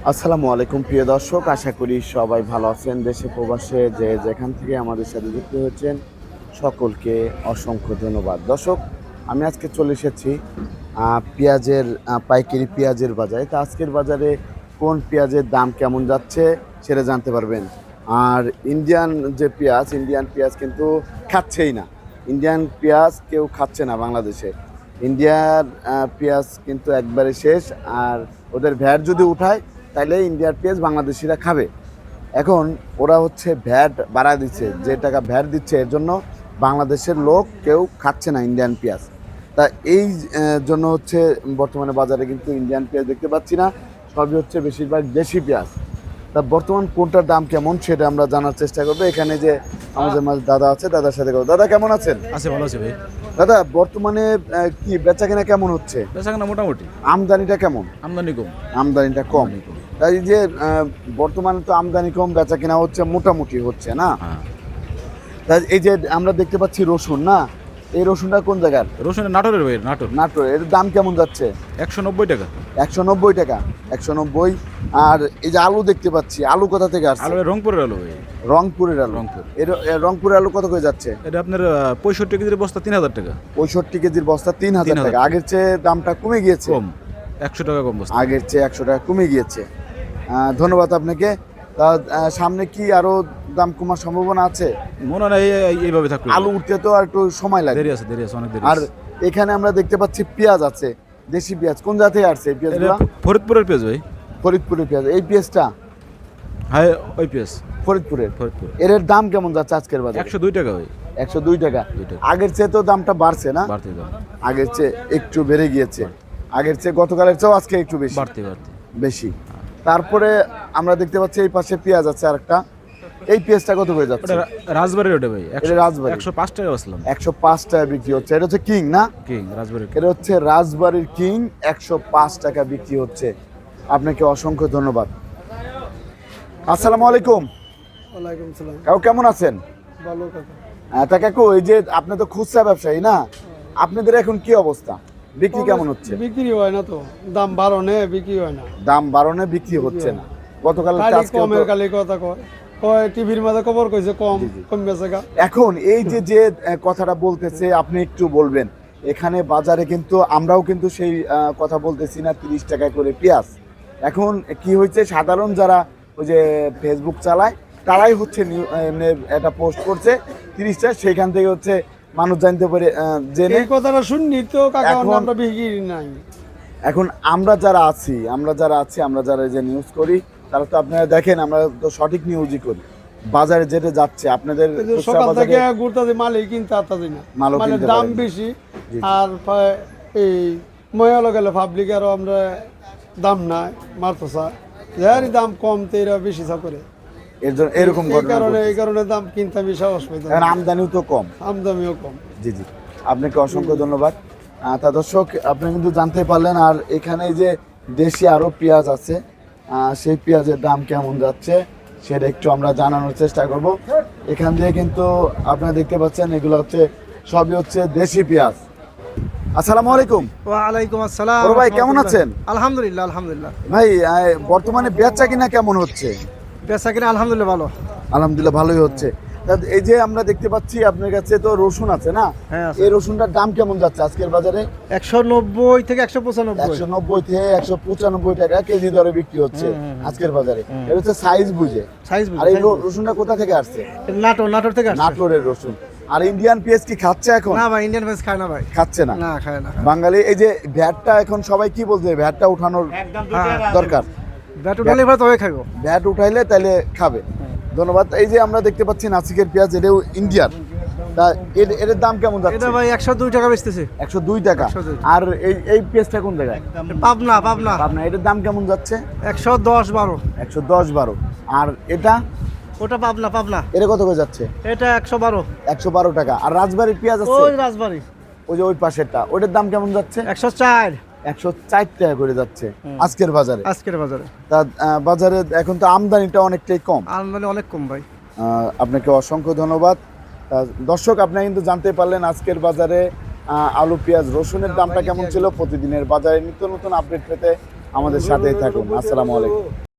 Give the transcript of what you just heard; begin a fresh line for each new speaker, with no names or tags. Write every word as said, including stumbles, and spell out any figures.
আসসালামু আলাইকুম প্রিয় দর্শক, আশা করি সবাই ভালো আছেন। দেশে প্রবাসে যে যেখান থেকে আমাদের সাথে যুক্ত হয়েছেন সকলকে অসংখ্য ধন্যবাদ। দর্শক, আমি আজকে চলে এসেছি আহ, পেঁয়াজের আহ, পাইকারি পেঁয়াজের বাজারে। তা আজকের বাজারে কোন পেঁয়াজের দাম কেমন যাচ্ছে সেটা জানতে পারবেন। আর ইন্ডিয়ান যে পেঁয়াজ, ইন্ডিয়ান পেঁয়াজ কিন্তু খাচ্ছেই না। ইন্ডিয়ান পেঁয়াজ কেউ খাচ্ছে না বাংলাদেশে। ইন্ডিয়ার আহ, পেঁয়াজ কিন্তু একবারে শেষ। আর ওদের ভ্যাট যদি উঠায় তাইলে ইন্ডিয়ার পেঁয়াজ বাংলাদেশিরা খাবে। এখন ওরা হচ্ছে ভ্যাট বাড়া দিচ্ছে, যে টাকা ভ্যাট দিচ্ছে এর জন্য বাংলাদেশের লোক কেউ খাচ্ছে না ইন্ডিয়ান পেঁয়াজ। তা এই আহ, জন্য হচ্ছে বর্তমানে বাজারে কিন্তু ইন্ডিয়ান পেঁয়াজ দেখতে পাচ্ছি না, সবই হচ্ছে বেশিরভাগ দেশি পেঁয়াজ। তা বর্তমান কোনটার দাম কেমন সেটা আমরা জানার চেষ্টা করবো। এখানে যে আমাদের মাঝে দাদা আছে, দাদার সাথে করবো। দাদা কেমন আছেন?
আছে, ভালো আছে ভাই।
দাদা বর্তমানে আহ, কি বেচা কেনা কেমন হচ্ছে?
বেচা কেনা মোটামুটি।
আমদানিটা কেমন?
আমদানি কম।
আমদানিটা কম। তাই যে আহ, বর্তমানে তো আমদানি কম, বেচা কেনা হচ্ছে মোটামুটি হচ্ছে না।
হ্যাঁ।
তাই এই যে আমরা দেখতে পাচ্ছি রসুন, না এই রসুনটা কোন জায়গার?
রসুনের নাটোরের ভাই, নাটোর।
নাটোর। এর দাম কেমন যাচ্ছে?
একশো নব্বই টাকা।
একশো নব্বই টাকা। একশো নব্বই। আর এই যে আলু দেখতে পাচ্ছি, আলু কোথা থেকে আসছে?
আলু রংপুরের আলু ভাই।
রংপুরের আলু।
রংপুর।
এর এর রংপুরের আলু কত করে যাচ্ছে?
এটা আপনার আহ, পঁয়ষট্টি কেজির বস্তা তিন হাজার টাকা।
পঁয়ষট্টি কেজির বস্তা তিন হাজার
তিন হাজার
টাকা। আগের চেয়ে দামটা কমে গিয়েছে।
কম, একশো টাকা কম বস্তা।
আগের চেয়ে একশো টাকা কমে গিয়েছে। আহ, ধন্যবাদ আপনাকে। তা আহ, সামনে কি আরো দাম কমার সম্ভাবনা আছে?
মনে হয় এই- এই- এইভাবে থাকবে।
আলু উঠতে তো আর একটু সময় লাগে।
দেরি আছে, দেরি আছে, অনেক দেরি
আর
আছে।
এখানে আমরা দেখতে পাচ্ছি পেঁয়াজ আছে, দেশি পেঁয়াজ। কোন জাতি আসছে এই
এটা
পেঁয়াজগুলো?
ফরিদপুরের পেঁয়াজ ভাই।
ফরিদপুরের পেঁয়াজ। এই পেঁয়াজটা
হ্যাঁ, ওই পেঁয়াজ
ফরিদপুরের।
ফরিদপুর।
এর দাম কেমন যাচ্ছে আজকের বাজারে?
একশো দুই টাকা ভাই।
একশো দুই টাকা।
দুই টাকা।
আগের চেয়ে তো দামটা বাড়ছে না?
বাড়তে দাম।
আগের চেয়ে একটু বেড়ে গিয়েছে। আগের চেয়ে গতকালের চেয়েও আজকে একটু বেশি
বাড়তে বাড়তে
বেশি। তারপরে আমরা দেখতে পাচ্ছি এই পাশে পেঁয়াজ আছে আরেকটা। এই পেঁয়াজটা কত হয়ে যাচ্ছে?
ওটা রা- রাজবাড়ির ওটা ভাই।
এটা রাজবাড়ি।
একশো পাঁচ টাকা বসলাম।
একশো পাঁচ টাকা বিক্রি হচ্ছে। এটা হচ্ছে কিং, না?
কিং রাজবাড়ির।
এটা হচ্ছে রাজবাড়ির কিং। একশো পাঁচ টাকা বিক্রি হচ্ছে। আপনাকে অসংখ্য ধন্যবাদ। আসসালামু আলাইকুম।
ওয়ালাইকুম সালাম।
কাকু কেমন আছেন?
ভালো কাকা।
আহ, তা কাকু, এই যে আপনি তো খুচরা ব্যবসায়ী, না? আপনাদের এখন কি অবস্থা? বিক্রি কেমন হচ্ছে?
বিক্রি হয় না তো, দাম বাড়নে বিক্রি হয় না।
দাম বাড়নে বিক্রি হচ্ছে না। গতকাল
খালি কমের খালি কথা কয় কয় টিভির মাঝে খবর কইছে কম কম বেচে গা।
এখন এই যে যে আহ, কথাটা বলতেছে, আপনি একটু বলবেন। এখানে বাজারে কিন্তু আমরাও কিন্তু সেই আহ, কথা বলতেছি না, তিরিশ টাকা করে পেঁয়াজ। এখন কি হয়েছে, সাধারণ যারা ওই যে ফেসবুক চালায় তারাই হচ্ছে নিউ- এমনি একটা পোস্ট করছে তিরিশ টাকা, সেইখান থেকে হচ্ছে মানুষ জানতে পারে, আহ, জেনে।
এই কথাটা শুননি তো কাকা,
এখন-
আমরা বিক্রি নাই।
এখন আমরা যারা আছি আমরা যারা আছি আমরা যারা এই যে নিউজ করি, তারা তো আপনারা দেখেন আমরা তো সঠিক নিউজই করি। বাজারে যেটা যাচ্ছে আপনাদের
এই যে
খুচরা
সকাল
বাজারে
থেকে ঘুরতে মালই কিনতে আতাছি না,
মালও
মানে
কিনতে
দাম
পারেন না।
বেশি।
জি।
আর পা- এই ময়ালো গেলে পাবলিক আরো আমরা দাম নাই মারতেছা, যারই দাম কম তো এরা বেশি চা করে।
এর জন্য এরকম
এই
ঘটনা
কারণে এই
ঘটছে।
কারণে দাম কিনতে আমি সাহস পাইতাম
এখন
না।
আমদানিও তো কম।
আমদামিও কম।
জি জি, আপনাকে অসংখ্য ধন্যবাদ। আহ, তা দর্শক, আপনি কিন্তু জানতে পারলেন। আর এখানে যে দেশি আরও পেঁয়াজ আছে, আহ, সেই পেঁয়াজের দাম কেমন যাচ্ছে সেটা একটু আমরা জানানোর চেষ্টা করব। এখান দিয়ে কিন্তু আপনারা দেখতে পাচ্ছেন এগুলো হচ্ছে সবই হচ্ছে দেশি পেঁয়াজ। আসসালামু আলাইকুম।
ওয়ালাইকুম আসসালাম।
বড় ভাই, কেমন আছেন?
আলহামদুলিল্লাহ আলহামদুলিল্লাহ।
ভাই, আহ, বর্তমানে বেচা কিনা কেমন হচ্ছে?
বেচা কিনা আলহামদুলিল্লাহ ভালো।
আলহামদুলিল্লাহ ভালোই হচ্ছে। তা এই যে আমরা দেখতে পাচ্ছি আপনার কাছে তো রসুন আছে, না?
হ্যাঁ, আছে।
এই রসুনটার দাম কেমন যাচ্ছে আজকের বাজারে?
একশো নব্বই থেকে একশো পঁচানব্বই।
একশো নব্বই থেকে একশো পঁচানব্বই টাকা কেজি দরে বিক্রি হচ্ছে আজকের বাজারে। এটা হচ্ছে সাইজ বুঝে।
সাইজ
আর এই র- রসুনটা কোথা থেকে আসছে?
নাটোর নাটোর থেকে আসছে।
নাটোরের রসুন। আর ইন্ডিয়ান পেঁয়াজ কি খাচ্ছে এখন?
না ভাই, ইন্ডিয়ান ভেজ খায় না ভাই।
খাচ্ছে না।
না খায় না।
বাঙালি এই যে ভ্যাটটা এখন সবাই কি বলছে, ভ্যাটটা উঠানোর দরকার।
ব্যাট উঠালে এবার তবে খাইবো।
ভ্যাট উঠাইলে তাহলে খাবে। ধন্যবাদ। এই যে আমরা দেখতে পাচ্ছি নাসিকের পেঁয়াজ, এটাও ইন্ডিয়ান। তা এর- এর দাম কেমন যাচ্ছে?
এটা ভাই একশো দুই টাকা বেচতেছে।
একশো দুই টাকা।
একশো দুই।
আর এই এই পেঁয়াজটা কোন জায়গায়?
পাবনা পাবনা।
আপনার এটার দাম কেমন যাচ্ছে?
একশো দশ বারো।
একশো দশ বারো। আর এটা
ওটা পাবনা পাবনা।
এটা কত করে যাচ্ছে?
এটা একশো বারো।
একশো বারো টাকা। আর রাজবাড়ির পেঁয়াজ আছে
ওই রাজবাড়ি
ওই যে ওই পাশেরটা, ওইটার দাম কেমন যাচ্ছে?
একশো চার
একশো চার টাকা করে যাচ্ছে আজকের বাজারে।
আজকের বাজারে
তা আহ, বাজারে এখন তো আমদানিটা অনেকটাই কম।
আমদানি অনেক কম ভাই।
আহ, আপনাকে অসংখ্য ধন্যবাদ। তা দর্শক, আপনারা কিন্তু জানতে পারলেন আজকের বাজারে আহ, আলু পেঁয়াজ রসুনের দামটা কেমন ছিল। প্রতিদিনের বাজারে নিত্য নতুন আপডেট পেতে আমাদের সাথেই থাকুন। আসসালামু আলাইকুম।